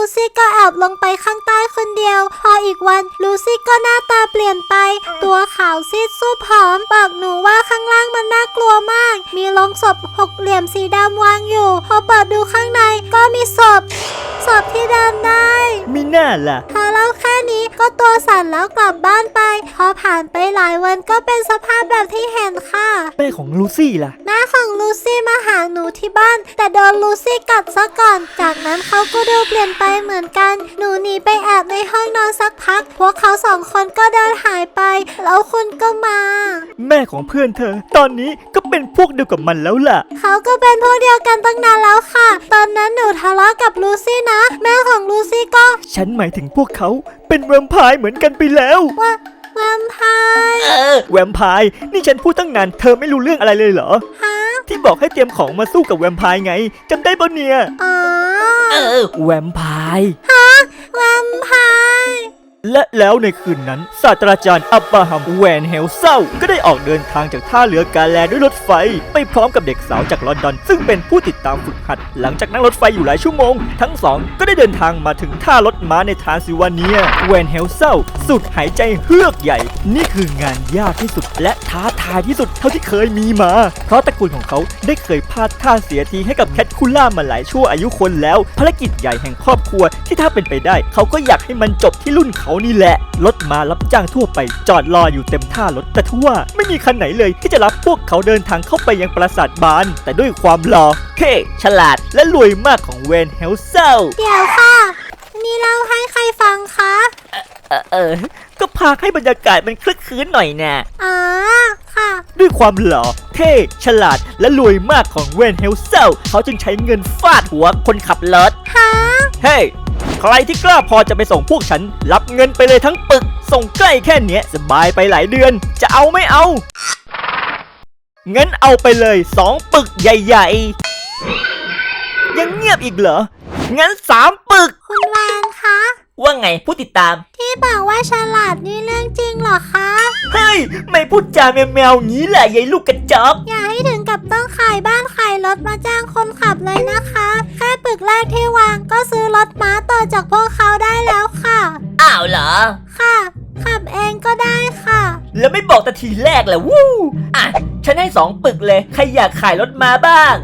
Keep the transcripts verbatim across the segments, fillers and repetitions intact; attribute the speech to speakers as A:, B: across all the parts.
A: ซี่ก็แอบลงไปข้างใต้คนเดียวพออีกวันลูซี่ก็หน้าตาเปลี่ยนไปตัวขาวซีดซูบผอมบอกหนูว่าข้างล่างมันน่ากลัวมากมีโลงศพหกเหลี่ยมสีดำวางอยู่พอเปิดดูข้างในก็มีศพศพที่เดินได้
B: มีหน้าล่ะ
A: พอเล่าแค่นี้ก็ตัวสั่นแล้วกลับบ้านไปพอผ่านไปหลายวันก็เป็นสภาพแบบที่เห็นค่ะ
B: แม่ของลูซี่ล่ะ
A: แม่ของลูซี่มาหาหนูที่บ้านแต่โดนลูซี่กัดซะก่อนจากนั้นเขาก็ดูเปลี่ยนไปเหมือนกันหนูหนีไปแอบในห้องนอนสักพักพวกเขาสองคนก็เดินหายไปแล้วคุณก็มา
B: แม่ของเพื่อนเธอตอนนี้ก็เป็นพวกเดียวกับมันแล้วล่ะ
A: เขาก็เป็นพวกเดียวกันตั้งนานแล้วค่ะตอนนั้นหนูทะเลาะกับลูซี่นะแม่ของลูซี่ก็
B: ฉันหมายถึงพวกเขาเป็นแวมไพร์เหมือนกันไปแล้ว
A: ว่าแวมไพร์
B: เออแวมไพร์นี่ฉันพูดตั้งนานเธอไม่รู้เรื่องอะไรเลยเหรอ
A: ฮะ
B: ที่บอกให้เตรียมของมาสู้กับแวมไพร์ไงจำได้ปะเนี่ย
A: อ๋อ
B: เออแวมไพร์
A: ฮะแวมไพร์
B: และแล้วในคืนนั้นศาสตราจารย์อับบราฮัมแวนเฮลเซลก็ได้ออกเดินทางจากท่าเรือกาแลด้วยรถไฟไปพร้อมกับเด็กสาวจากลอนดอนซึ่งเป็นผู้ติดตามฝึกหัดหลังจากนั่งรถไฟอยู่หลายชั่วโมงทั้งสองก็ได้เดินทางมาถึงท่ารถม้าในทรานซิลเวเนียแวนเฮลเซลสุดหายใจเฮือกใหญ่นี่คืองานยากที่สุดและท้าทายที่สุดเท่าที่เคยมีมาเพราะตระกูลของเขาได้เคยพลาดท่าเสียทีให้กับแคทคูล่ามาหลายชั่วอายุคนแล้วภารกิจใหญ่แห่งครอบครัวที่ถ้าเป็นไปได้เขาก็อยากให้มันจบที่รุ่นเขานี่แหละรถมารับจ้างทั่วไปจอดรออยู่เต็มท่ารถแต่ทว่าไม่มีคันไหนเลยที่จะรับพวกเขาเดินทางเข้าไปยังปราสาทบานแต่ด้วยความหล่อเท่ฉลาดและรวยมากของเวนเฮลเซล
A: เดี๋ยวค่ะนี่เล่าให้ใครฟังคะ
B: เออเออก็พาให้บรรยากาศมันคลึกคลื้นหน่อยนะ
A: อ๋อค่ะ
B: ด้วยความหล่อเท่ฉลาดและรวยมากของเวนเฮลเซลเขาจึงใช้เงินฟาดหัวคนขับรถ
A: ฮะ
B: เฮ้ใครที่กล้าพอจะไปส่งพวกฉันรับเงินไปเลยทั้งปึกส่งใกล้แค่เนี้ยสบายไปหลายเดือนจะเอาไม่เอาเงินเอาไปเลยสองปึกใหญ่ๆยังเงียบอีกเหรองั้นสามปึก
A: คุณวานคะ
B: ว่าไงผู้ติดตาม
A: ที่บอกว่าฉลาดนี่เรื่องจริงเหรอคะ
B: เฮ้ยไม่พูดจาแมวๆงี้แหละยายลูกกระจอก
A: อย่าให้ถึงกับต้องขายบ้านขายรถมาจ้างคนขับเลยนะคะแค่ปึกแรกที่วางก็ซื้อรถม้าต่อจากพวกเขาได้แล้วค่ะ
B: อ้าวเหรอ
A: ค่ะขับเองก็ได้ค่ะ
B: แล้วไม่บอกแต่ทีแรกแหละวู้อ่ะฉันให้สองปึกเลยใครอยากขายรถมาบ้าง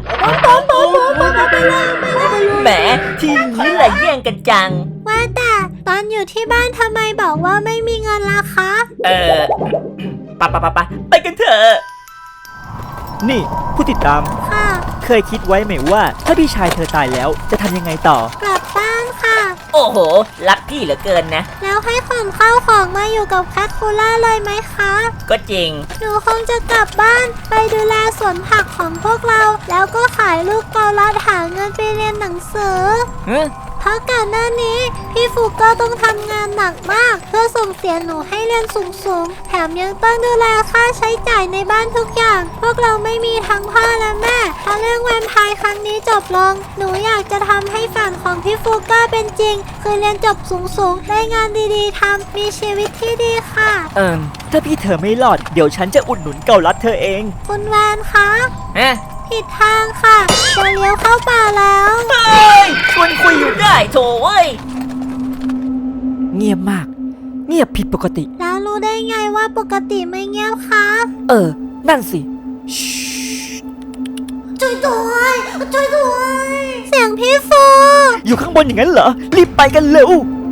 B: แหมทีนี้แหละแย่งกันจัง
A: ว่าแต่ตอนอยู่ที่บ้านทำไมบอกว่าไม่มีเงินล่ะคะ
B: เออปะปะปะปะไปกันเถอะนี่ผู้ติดตาม
A: ค่ะ
B: เคยคิดไว้ไหมว่าถ้าพี่ชายเธอตายแล้วจะทำยังไงต่อก
A: ลับบ้านค่ะ
B: โอ้โหรักพี่เหลือเกินนะ
A: แล้วให้ขนข้าวของมาอยู่กับแคทคูล่าเลยไหมคะ
B: ก็จริง
A: หนูคงจะกลับบ้านไปดูแลสวนผักของพวกเราแล้วก็ขายลูกเกาลัดหาเงินไปเรียนหนังสือเพราะก่อนหน้านี้พี่ฟุกก็ต้องทำงานหนักมากเพื่อส่งเสียหนูให้เรียนสูงๆแถมยังต้องดูแลค่าใช้จ่ายในบ้านทุกอย่างพวกเราไม่มีทั้งพ่อและแม่ถ้าเรื่องแวมไพร์ครั้งนี้จบลงหนูอยากจะทำให้ฝันของพี่ฟุกก็เป็นจริงคือเรียนจบสูงๆได้งานดีๆทำมีชีวิตที่ดีค่ะ
B: เอิมถ้าพี่เธอไม่รอดเดี๋ยวฉันจะอุดหนุนเกาลัดเธอเอง
A: คุณแวนคะ
B: เอ๊ะ
A: ผิดทางค่ะจะเลี้ยวเข้าป่าแล้ว
B: เฮ้ยชวนคุยอยู่ได้โถเว้ยเงียบมากเงียบผิดปกติ
A: แล้วรู้ได้ไงว่าปกติไม่เงียบคะ
B: เออนั่นสิ
A: ช่วยด้วยช่วยด้วยเสียงพี่ฟู
B: อยู่ข้างบนอย่างนั้นเหรอรีบไปกันเร็ว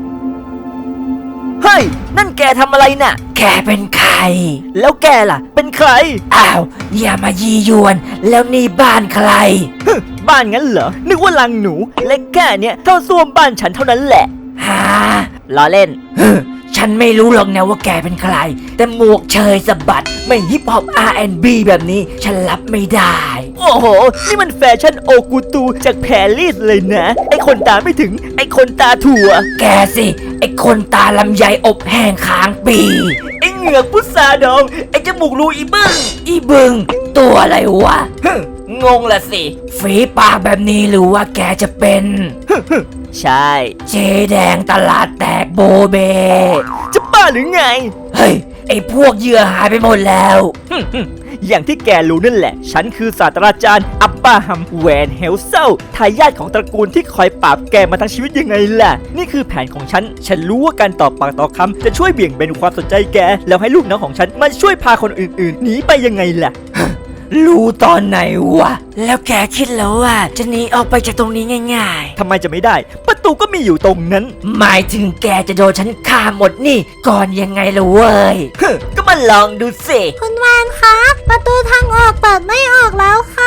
B: เฮ้ยนั่นแกทำอะไรน่ะแกเป็นใครแล้วแกล่ะเป็นใครอ้าวอย่ามายียวนแล้วนี่บ้านใครบ้านงั้นเหรอนึกว่าลังหนูเล็กแค่เนี้ยเท่าส้วมบ้านฉันเท่านั้นแหละฮะล้อเล่นฉันไม่รู้หรอกนะว่าแกเป็นใครแต่หมวกเชยสะบัดไม่ฮิปฮอป อาร์ แอนด์ บี แบบนี้ฉันรับไม่ได้โอ้โหนี่มันแฟชั่นโอกูตูจากแพรีสเลยนะไอคนตาไม่ถึงไอคนตาถั่วแกสิไอคนตาลำไยอบแห้งค้างปีไอเหงือกพุทราดองไอจมูกรูอีบึ้งอีบึ้งตัวอะไรวะงงละสิฝีปากแบบนี้หรือว่าแกจะเป็นใช่เจ๊แดงตลาดแตกโบเบจะบ้าหรือไงเฮ้ยไอพวกเหยื่อหายไปหมดแล้วอย่างที่แกรู้นั่นแหละฉันคือศาสตราจารย์อับบราฮัมแวนเฮลเซลทายาทของตระกูลที่คอยปราบแกมาทั้งชีวิตยังไงล่ะนี่คือแผนของฉันฉันรู้ว่าการตอบปากต่อคำจะช่วยเบี่ยงเบนความสนใจแกแล้วให้ลูกน้องของฉันมาช่วยพาคนอื่นๆหนีไปยังไงล่ะ รู้ตอนไหนวะแล้วแกคิดแล้วว่าจะหนีออกไปจากตรงนี้ง่ายๆทำไมจะไม่ได้ประตูก็มีอยู่ตรงนั้นหมายถึงแกจะโดนฉันฆ่าหมดนี่ก่อนยังไงล่ะเว้ย ก็มาลองดูสิ
A: คุณวานคะประตูทางออกเปิดไม่ออกแล้วค่ะ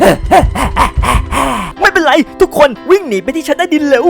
B: ไม่เป็นไรทุกคนวิ่งหนีไปที่ชั้นใต้ดินเร็ว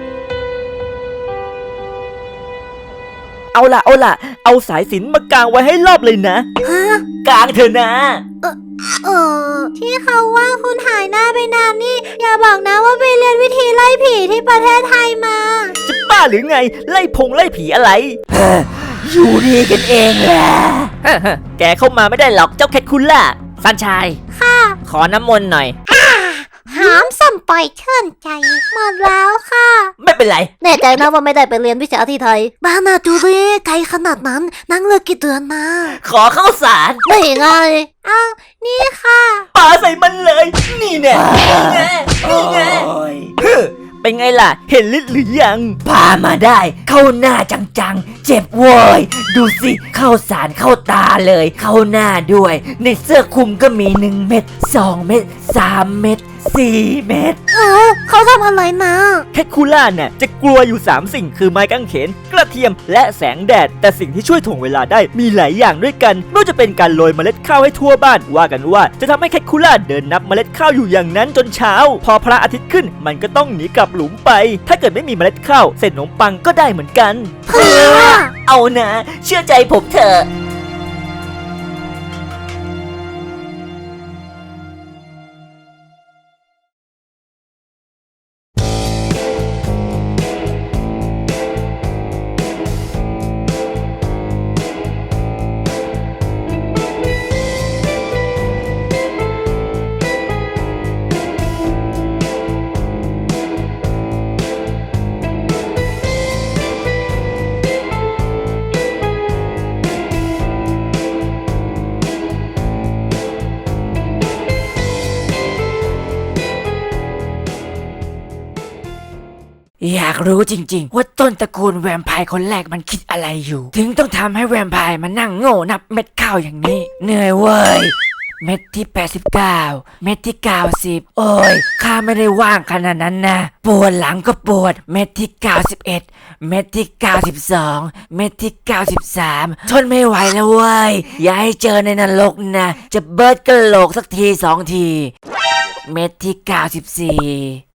B: เอาล่ะเอาล่ะเอาสายสิญจน์มากางไว้ให้รอบเลยนะ
A: ฮะ
B: กางเถอะนะ
A: เออที่เขาว่าคุณหายหน้าไปนานนี่ อย่าบอกนะว่าไปเรียนวิธีไล่ผีที่ประเทศไทยมา
B: จะบ้าหรือไงไล่พงไล่ผีอะไร อยู่ดีกันเองแหละ แกเข้ามาไม่ได้หรอกเจ้าแคทคุณล่ะสันชาย
A: ค่ะ
B: ขอน้ำมนต์หน่อย
A: หามสัมปล่อยเชื่นใจ หมดแล้วค่ะ
B: ไม่เป็นไร
A: แน่ใจนะว่าไม่ได้ไปเรียนวิชาที่ไทย บ้านาจูเร่ไกลขนาดนั้น นั่งเลือกกี่เดือนมา
B: ขอเข้าสาร
A: ไม่ไงอ้าวนี่ค่ะ
B: ปาใส่มันเลย นี่แน่นี่แน่นี่แน่ฮึเป็นไงล่ะ เห็นลิ์หรือยัง พามาได้ เข้าหน้าจังๆ เจ็บโว้ย ดูสิ เข้าสารเข้าตาเลย เข้าหน้าด้วย ในเสื้อคลุมก็มีหนึ่งเม็ดสองเม็ดสามเม็ดสี่เม็ด
A: เออเขาทำอะไรนะ
B: แคทคูล่าเนี่ยจะกลัวอยู่สามสิ่งคือไม้กางเขน กระเทียมและแสงแดด แต่สิ่งที่ช่วยถ่วงเวลาได้มีหลายอย่างด้วยกันไม่ว่าจะเป็นการโรยเมล็ดข้าวให้ทั่วบ้านว่ากันว่าจะทำให้แคทคูล่าเดินนับเมล็ดข้าวอยู่อย่างนั้นจนเช้า พอพระอาทิตย์ขึ้นมันก็ต้องหนีกลับหลุมไป ถ้าเกิดไม่มีเมล็ดข้าวเส้นขนมปังก็ได้เหมือนกัน
A: เพื่อ
B: เอานะเชื่อใจผมเถอะอยากรู้จริงๆว่าต้นตระกูลแวมไพร์คนแรกมันคิดอะไรอยู่ ถึงต้องทำให้แวมไพร์มานั่งโง่นับเม็ดข้าวอย่างนี้ เหนื่อยเว้ย เม็ดที่แปดสิบเก้าเม็ดที่เก้าสิบโอ้ยข้าไม่ได้ว่างขนาดนั้นนะปวดหลังก็ปวดเม็ดที่เก้าสิบเอ็ดเม็ดที่เก้าสิบสองเม็ดที่เก้าสิบสามทนไม่ไหวแล้วเว้ยอย่าให้เจอในนรกนะจะเบิร์ดกระโหลกสักทีสองทีเม็ดที่เก้าสิบสี่